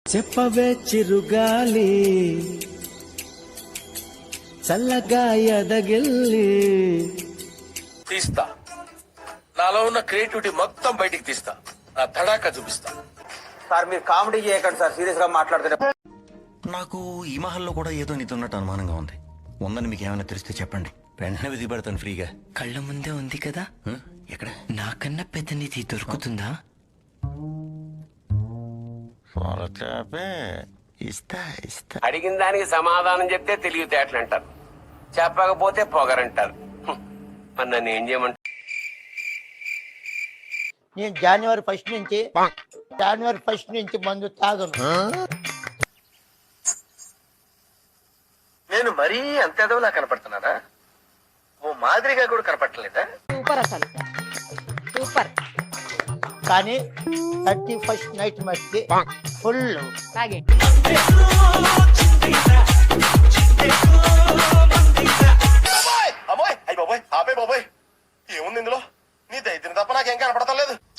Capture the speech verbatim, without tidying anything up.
చెప్పవే చిరుగాలి చల్లగా ఎదగిల్లి తీస్తా, నాలో ఉన్న క్రియేటివిటీ మొత్తం బయటికి తీస్తా, నా తడాకా చూపిస్తా. సార్ మీరు కామెడీ చేయకండి సార్, సీరియస్ గా మాట్లాడుతుంటే. నాకు ఈ మహల్లో కూడా ఏదో నీతో ఉన్నట్టు అనుమానంగా ఉంది. ఉందని మీకు ఏమైనా తెలిస్తే చెప్పండి, వెంటనే విధి పెడతాను ఫ్రీగా. కళ్ళ ముందే ఉంది కదా, ఎక్కడ? నాకన్నా పెద్ద నిధి దొరుకుతుందా? ఇస్తా ఇస్తా. అడిగిన దానికి సమాధానం చెప్తే తెలివితేటలు అంటారు, చెప్పకపోతే పొగరంటారు. మరి నన్ను ఏం చేయమంటారు? నేను జనవరి ఫస్ట్ నుంచి జనవరి ఫస్ట్ నుంచి మందు తాగను. నేను మరీ అంత ఎదవలా కనపడుతున్నానా? ఓ మాదిరిగా కూడా కనపడలేదా? సూపర్ అసలు సూపర్. కానీ థర్టీ ఫస్ట్ నైట్ మట్టి ఫుల్ తాగండి. అమ్మాయి అయ్యి బాబోయ్, ఆపే బాబోయ్, ఏముంది ఇందులో? నీ దైత్యం తప్ప నాకేం కనపడతలేదు.